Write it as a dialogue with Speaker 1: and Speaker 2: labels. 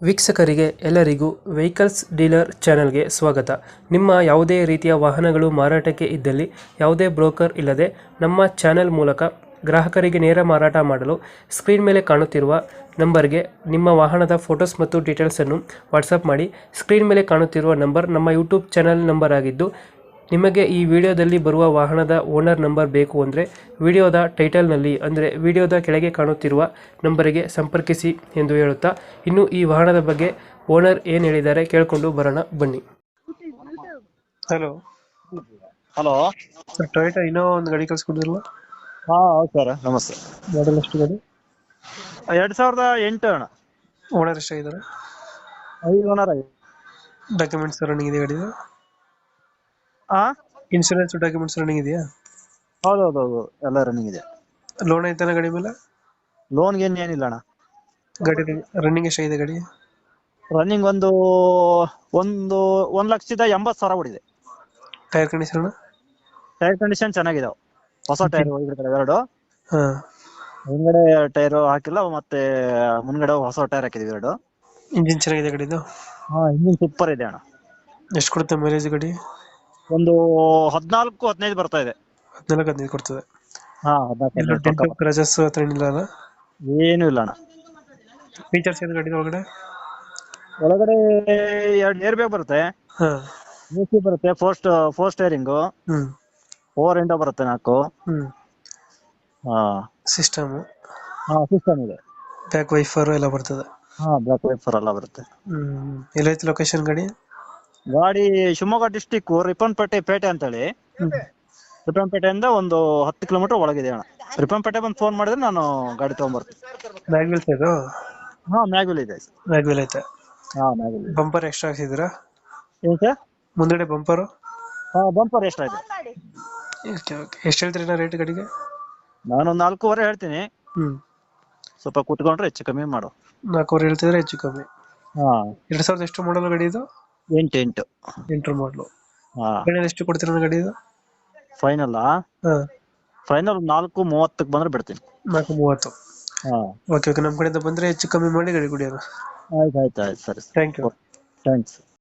Speaker 1: ವೀಕ್ಷಕರಿಗೆ ಎಲ್ಲರಿಗೂ vehicles dealer ಚಾನೆಲ್ಗೆ ಸ್ವಾಗತ. ನಿಮ್ಮ ಯಾವುದೇ ರೀತಿಯ ವಾಹನಗಳು ಮಾರಾಟಕ್ಕೆ ಇದ್ದಲ್ಲಿ ಯಾವುದೇ ಬ್ರೋಕರ್ ಇಲ್ಲದೆ ನಮ್ಮ ಚಾನೆಲ್ ಮೂಲಕ ಗ್ರಾಹಕರಿಗೆ ನೇರ ಮಾರಾಟ ಮಾಡಲು ಸ್ಕ್ರೀನ್ ಮೇಲೆ ಕಾಣುತ್ತಿರುವ ನಂಬರ್ಗೆ ನಿಮ್ಮ ವಾಹನದ ಫೋಟೋಸ್ ಮತ್ತು ಡೀಟೇಲ್ಸನ್ನು ವಾಟ್ಸಪ್ ಮಾಡಿ. ಸ್ಕ್ರೀನ್ ಮೇಲೆ ಕಾಣುತ್ತಿರುವ ನಂಬರ್ ನಮ್ಮ ಯೂಟ್ಯೂಬ್ ಚಾನೆಲ್ ನಂಬರ್ ಆಗಿದ್ದು, ನಿಮಗೆ ಈ ವಿಡಿಯೋದಲ್ಲಿ ಬರುವ ವಾಹನದ ಓನರ್ ನಂಬರ್ ಬೇಕು ಅಂದರೆ ವಿಡಿಯೋದ ಟೈಟಲ್ನಲ್ಲಿ ಅಂದರೆ ವಿಡಿಯೋದ ಕೆಳಗೆ ಕಾಣುತ್ತಿರುವ ನಂಬರಿಗೆ ಸಂಪರ್ಕಿಸಿ ಎಂದು ಹೇಳುತ್ತಾ, ಇನ್ನು ಈ ವಾಹನದ ಬಗ್ಗೆ ಓನರ್ ಏನು ಹೇಳಿದ್ದಾರೆ ಕೇಳಿಕೊಂಡು ಬರೋಣ ಬನ್ನಿ. Hello
Speaker 2: hello.
Speaker 1: ಸರ್, ಟೊಯೋಟಾ ಇನ್ನೋ ಒಂದು ಗಾಡಿ ಕಳಿಸ್ಕೊಡಿದ್ರಲ್ಲ,
Speaker 2: ಹಾ ಹೌದು ಸರ್, ನಮಸ್ತೆ.
Speaker 1: ಮಾಡಲ್ ಎಷ್ಟು ಗಾಡಿ?
Speaker 2: 2008 ಅಣ್ಣ.
Speaker 1: ಓನರ್ ಎಷ್ಟಾಗಿದ್ದಾರೆ?
Speaker 2: 5 ಓನರ್ ಆಗಿದೆ.
Speaker 1: ಡಾಕ್ಯುಮೆಂಟ್ಸ್ ರನ್ನಿಂಗ್ ಇದೆ ಗಾಡಿದು?
Speaker 2: ಹಾ
Speaker 1: ಇನ್ಶೂರೆನ್ಸ್ ಡಾಕ್ಯುಮೆಂಟ್ಸ್ ರನ್ನಿಂಗ್ ಇದೆಯಾ?
Speaker 2: ಹೌದೌದು, ಎಲ್ಲ ರನ್ನಿಂಗ್ ಇದೆ.
Speaker 1: ಲೋನ್ ಐತಾನ ಗಾಡಿ ಮೇಲೆ?
Speaker 2: ಲೋನ್ ಗೇನ್ ಏನಿಲ್ಲ ಅಣ್ಣ.
Speaker 1: ಗಾಡಿ ರನ್ನಿಂಗ್ ಎಷ್ಟಾಗಿದೆ ಗಾಡಿ?
Speaker 2: ರನ್ನಿಂಗ್ ಒಂದು 1,80,000 ಹೊಡಿದೆ.
Speaker 1: Tyre condition?
Speaker 2: ಟೈರ್ ಕಂಡೀಷನ್ ಚೆನ್ನಾಗಿದಾವೆ. ಹೊಸ ಟೈರ್ ಹೋಗಿರ್ತಾರೆ ಎರಡು.
Speaker 1: ಹಾ.
Speaker 2: ಹಿಂದ್ಗಡೆ ಟೈರ್ ಹಾಕಿಲ್ಲ, ಮತ್ತೆ ಮುಂದ್ಗಡೆ ಹೊಸ ಟೈರ್ ಹಾಕಿದೀವಿ ಎರಡು.
Speaker 1: ಇಂಜಿನ್ ಚೆನ್ನಾಗಿದೆ ಗಾಡಿದು?
Speaker 2: ಹಾ, ಇಂಜಿನ್ ಸೂಪರ್ ಇದೆ ಅಣ್ಣ.
Speaker 1: ಎಷ್ಟು ಕೊಡುತ್ತೆ ಮೈಲೇಜ್ ಗಾಡಿ?
Speaker 2: ಒಂದು 14-15 ಬರ್ತಾ ಇದೆ.
Speaker 1: 14-15 ಕೊಡ್ತದೆ.
Speaker 2: ಹಾ,
Speaker 1: ಎಲ್ಲ
Speaker 2: 14
Speaker 1: ಡೆಂಟ್ ಕ್ರಾಚಸ್ ಹತ್ರ ಏನಿಲ್ಲ ಅಲ್ಲ?
Speaker 2: ಏನು ಇಲ್ಲ ಅಣ್ಣ.
Speaker 1: ಫೀಚರ್ಸ್ ಏನು ಗಾಡಿ ಒಳಗಡೆ?
Speaker 2: ಒಳಗಡೆ 2 ಏರ್ ಬ್ಯಾಗ್ ಬರುತ್ತೆ,
Speaker 1: ಹಾ.
Speaker 2: AC ಬರುತ್ತೆ, ಫೋರ್ ಸ್ಟೇರಿಂಗು,
Speaker 1: ಹ್ಮ್
Speaker 2: 4 ವಿಂಡೋ ಬರುತ್ತೆ 4.
Speaker 1: ಹ್ಮ್
Speaker 2: ಹಾ
Speaker 1: ಸಿಸ್ಟಮ್,
Speaker 2: ಹಾ, ಸಿಸ್ಟಮ್ ಇದೆ.
Speaker 1: ಬ್ಯಾಕ್ ವೈಫರ್ ಎಲ್ಲ ಬರ್ತದೆ?
Speaker 2: ಹಾ, ಬ್ಯಾಕ್ ವೈಫರ್ ಎಲ್ಲ ಬರುತ್ತೆ.
Speaker 1: ಎಲ್ಲೈತೆ ಲೊಕೇಶನ್ ಗಾಡಿ?
Speaker 2: ಗಾಡಿ ಶಿವಮೊಗ್ಗ ಡಿಸ್ಟಿಕ್ ರಿಪ್ಪನ್ಪೇಟೆ ಪೇಟೆ ಅಂತೇಳಿ. ರಿಪ್ಪನ್ಪೇಟೆಯಿಂದ ಒಂದು 10 ಕಿಲೋಮೀಟರ್ ಒಳಗಿದೆ ಅಣ್ಣ. ರಿಪ್ಪನ್ಪೇಟೆ ಬಂದು ಫೋನ್ ಮಾಡಿದ್ರೆ ನಾನು ಗಾಡಿ ತಗೊಂಡ್ಬರ್ತೀನಿ.
Speaker 1: ಮ್ಯಾಗ್ವಿಲ್ ಇದು?
Speaker 2: ಹಾ, ಮ್ಯಾಗ್ವಿಲ್ ಇದೆ.
Speaker 1: ಮ್ಯಾಗ್ವಿಲ್ ಐತೆ?
Speaker 2: ಹಾ, ಮ್ಯಾಗ್ವಿಲ್ ಇದೆ.
Speaker 1: ಬಂಪರ್ ಎಕ್ಸ್ಟ್ರಾ ಹಾಕ್ಸಿದ್ದೀರಾ?
Speaker 2: ಏನ್ ಸರ್?
Speaker 1: ಮುಂದಡೆ ಬಂಪರು?
Speaker 2: ಹಾ, ಬಂಪರ್ ಎಷ್ಟಾಯ್ತು?
Speaker 1: ಎಷ್ಟು ಹೇಳ್ತೀರಿ ರೇಟ್ ಗಾಡಿಗೆ?
Speaker 2: ನಾನೊಂದು 4.5 ಹೇಳ್ತೀನಿ. ಸ್ವಲ್ಪ ಕುತ್ಕೊಂಡ್ರೆ ಹೆಚ್ಚು ಕಮ್ಮಿ ಮಾಡು.
Speaker 1: 4 ಹೇಳ್ತಿದ್ರೆ ಹೆಚ್ಚು ಕಮ್ಮಿ.
Speaker 2: ಹಾ.
Speaker 1: 2000 ಎಷ್ಟು ಮಾಡಲ್ ಗಾಡಿ ಇದು?
Speaker 2: 8.
Speaker 1: ಎಂಟ್ರ್ ಮಾಡಲು.
Speaker 2: ಹಾ.
Speaker 1: ಎಷ್ಟು ಕೊಡ್ತೀರ ಗಾಡಿ ಇದು?
Speaker 2: ಫೈನಲ್
Speaker 1: ಹಾ.
Speaker 2: ಫೈನಲ್ 4:30 ಬಂದ್ರೆ ಬಿಡ್ತೀನಿ.
Speaker 1: 4:30.
Speaker 2: ಹಾ.
Speaker 1: ಓಕೆ, ನಮ್ಮ ಕಡೆಯಿಂದ ಬಂದ್ರೆ ಹೆಚ್ಚು ಕಮ್ಮಿ ಮಾಡಿ ಗಾಡಿ ಕೊಡಿ.
Speaker 2: ಆಯ್ತು, ಸರಿ.
Speaker 1: Thank you.
Speaker 2: ಥ್ಯಾಂಕ್ಸ್.